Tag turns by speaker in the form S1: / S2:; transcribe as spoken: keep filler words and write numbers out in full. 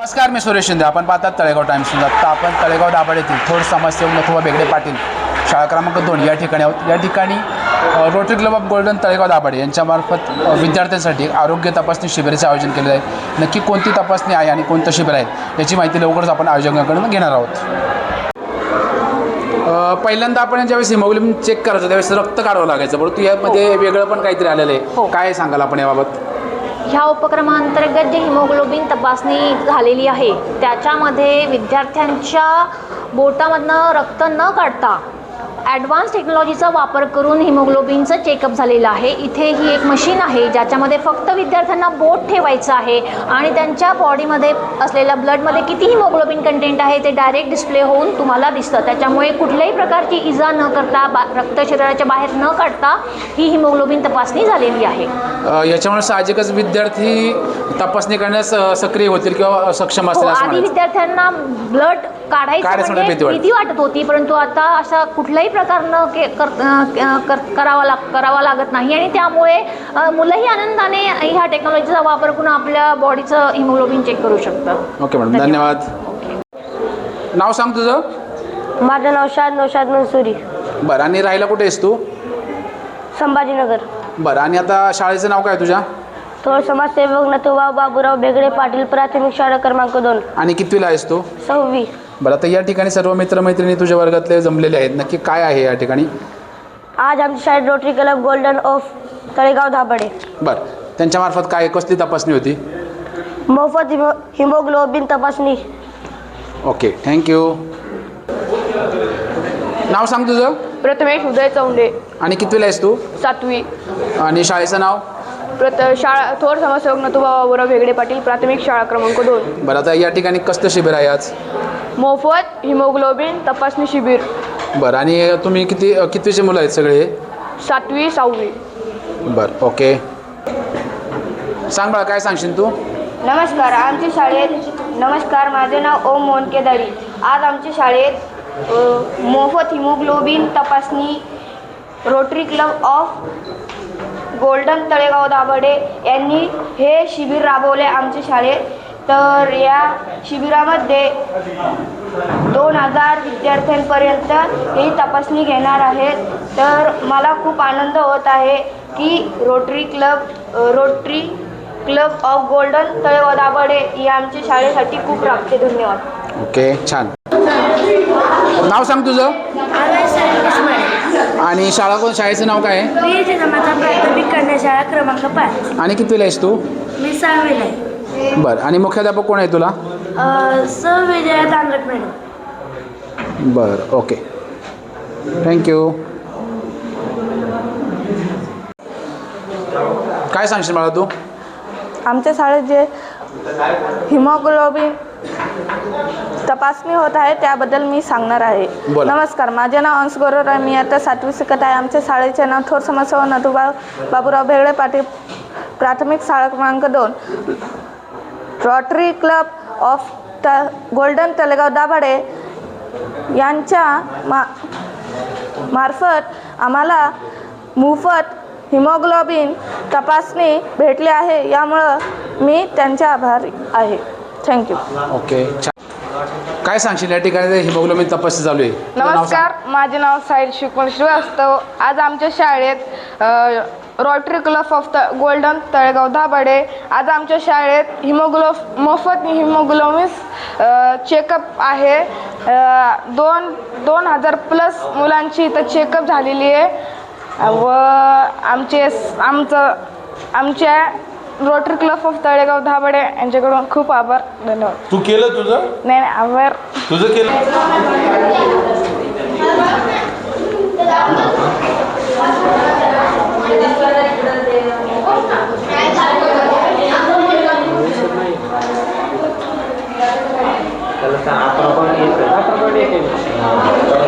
S1: नमस्कार, मी सुरेश शिंदे. आपण पाहतात तळेगाव टाइम्स. आता आपण तळेगाव दाभाड येथील थोर समाजसेवक नथुबा बेगडे पाटील शाळा क्रमांक दोन या ठिकाणी आहोत. या ठिकाणी Rotary Club of Golden Talegaon Dabhade यांच्यामार्फत विद्यार्थ्यांसाठी आरोग्य तपासणी शिबिराचे आयोजन केले आहे. नक्की कोणती तपासणी आहे आणि कोणतं शिबिर आहे याची माहिती लवकरच आपण आयोजकांकडून घेणार आहोत. पहिल्यांदा आपण ज्यावेळेस हिमोग्लोबिन चेक करायचं त्यावेळेस रक्त काढावं लागायचं, परंतु यामध्ये वेगळं पण काहीतरी आलेलं आहे. काय सांगाल आपण याबाबत?
S2: ह्या उपक्रमांतर्गत जी हिमोग्लोबिन तपासणी झालेली आहे त्याच्यामध्ये विद्यार्थ्यांच्या बोटामधनं रक्त न काढता ॲडव्हान्स टेक्नॉलॉजीचा वापर करून हिमोग्लोबिनचं चेकअप झालेलं आहे. इथे ही एक मशीन आहे ज्याच्यामध्ये फक्त विद्यार्थ्यांना बोट ठेवायचं आहे आणि त्यांच्या बॉडीमध्ये असलेल्या ब्लडमध्ये किती हिमोग्लोबिन कंटेंट आहे ते डायरेक्ट डिस्प्ले होऊन तुम्हाला दिसतं. त्याच्यामुळे कुठल्याही प्रकारची इजा न करता बा रक्त शरीराच्या बाहेर न काढता ही हिमोग्लोबिन तपासणी झालेली आहे.
S1: याच्यामुळे साहजिकच विद्यार्थी तपासणी करण्यास सक्रिय होतील किंवा सक्षम असतील.
S2: आधी विद्यार्थ्यांना ब्लड काढायचं म्हणजे भीती वाटत होती, परंतु आता अशा कुठल्याही प्रकारनं के कर, कर करावा लाग करावा लागत नाही आणि त्यामुळे मुलंही आनंदाने ह्या टेक्नॉलॉजीचा वापर करून आपल्या बॉडीचं हिमोग्लोबिन चेक करू शकतात.
S1: ओके मॅडम, धन्यवाद. नाव सांग तुझं?
S3: माझं नाव शाद नौशाद मंसुरी.
S1: बरं, आणि राहायला कुठे आहेस तू?
S3: संभाजीनगर.
S1: बरं, आणि आता शाळेचं नाव काय तुझ्या?
S3: थोर समाजसेवक नथुबा बाबूराव बेगडे पाटील, प्राथमिक शाळा क्रमांक दोन.
S1: आणि कितवीला आहेस तू?
S3: सहावी.
S1: बरं, आता या ठिकाणी सर्व मित्रमैत्रिणी तुझ्या वर्गातले जमलेले आहेत. नक्की काय आहे या ठिकाणी?
S3: आज आमच्या शाळेत Rotary Club Golden of Talegaon Dabhade.
S1: बरं, त्यांच्यामार्फत काय कसली तपासणी होती?
S3: मोफत हिमो हिमोग्लोबिन तपासणी.
S1: Okay, thank you. नाव सांग तुझं?
S4: प्रथमेश उदय चौंडे.
S1: आणि कितवीला आहेस तू?
S4: सातवी.
S1: आणि शाळेचं नाव?
S4: प्रथ शाळा थोर समाजसेवक नथुबा बाबूराव बेगडे पाटील, प्राथमिक शाळा क्रमांक दोन.
S1: बरं, आता या ठिकाणी कसलं शिबिर आहे आज?
S4: मोफत हिमोग्लोबिन तपासणी शिबिर.
S1: बरं, आणि तुम्ही किती कितवीचे मुलं आहेत सगळे?
S4: सातवी सहावी.
S1: बरं, ओके. सांग बाळा, काय सांगशील तू?
S3: नमस्कार. आमच्या शाळेत नमस्कार माझे नाव ओम मोहन केदारी. आज आमच्या शाळेत मोफत हिमोग्लोबिन तपासणी Rotary Club of Golden Talegaon Dabhade यांनी हे शिबिर राबवले आमच्या शाळेत. तर या शिबिरामध्ये दोन हजार विद्यार्थ्यांपर्यंत ही तपासणी घेणार आहेत. तर मला खूप आनंद होत आहे की Rotary Club Rotary Club of Golden Talegaon Dabhade ही आमच्या शाळेसाठी खूप राबते. धन्यवाद.
S1: ओके, छान. नाव सांग तुझं? आणि शाळा कोण शाळेचं नाव काय आहे?
S3: प्राथमिक कन्या शाळा क्रमांक पाच.
S1: आणि कितवीला आहेस तू?
S3: मी सहावीला आहे.
S1: बरं, आणि मुख्याध्यापक कोण आहे तुला?
S3: स विजया दांगट मॅडम.
S1: बरं, ओके, थँक्यू. काय सांगशील मला तू?
S5: आमच्या शाळेत जे हिमोग्लोबिन तपासणी होत आहे त्याबद्दल मी सांगणार आहे. नमस्कार, माझे नाव अंश गौरव आहे. मी आता सातवी शिकत आहे. आमच्या शाळेचे नाव थोर समाजसेवक नथुबा बाबूराव बेगडे पाटील, प्राथमिक शाळा क्रमांक दोन. रोटरी क्लब ऑफ त गोल्डन तळेगाव दाभाडे यांच्या मा मार्फत आम्हाला मोफत हिमोग्लोबिन तपासणी भेटली आहे. यामुळं मी त्यांचे आभारी आहे. थँक्यू.
S1: ओके, छान. काय सांगशील या ठिकाणी हिमोग्लोबिन तपासणी चालू आहे?
S4: नमस्कार, माझे नाव साहिल शिकवण श्रीवास्तव. आज आमच्या शाळेत रोटरी क्लब ऑफ त गोल्डन तळेगाव दाभाडे आज आमच्या शाळेत हिमोग्लो मोफत हिमोग्लोबिन चेकअप आहे. दोन दोन हजार प्लस मुलांची इथं चेकअप झालेली आहे व आमचे आमचं आमच्या Rotary Club of Talegaon Dabhade यांच्याकडून खूप आभार. धन्यवाद.
S6: तू केलं तुझं?
S4: नाही नाही आभार
S6: तुझं केलं?
S7: त्याला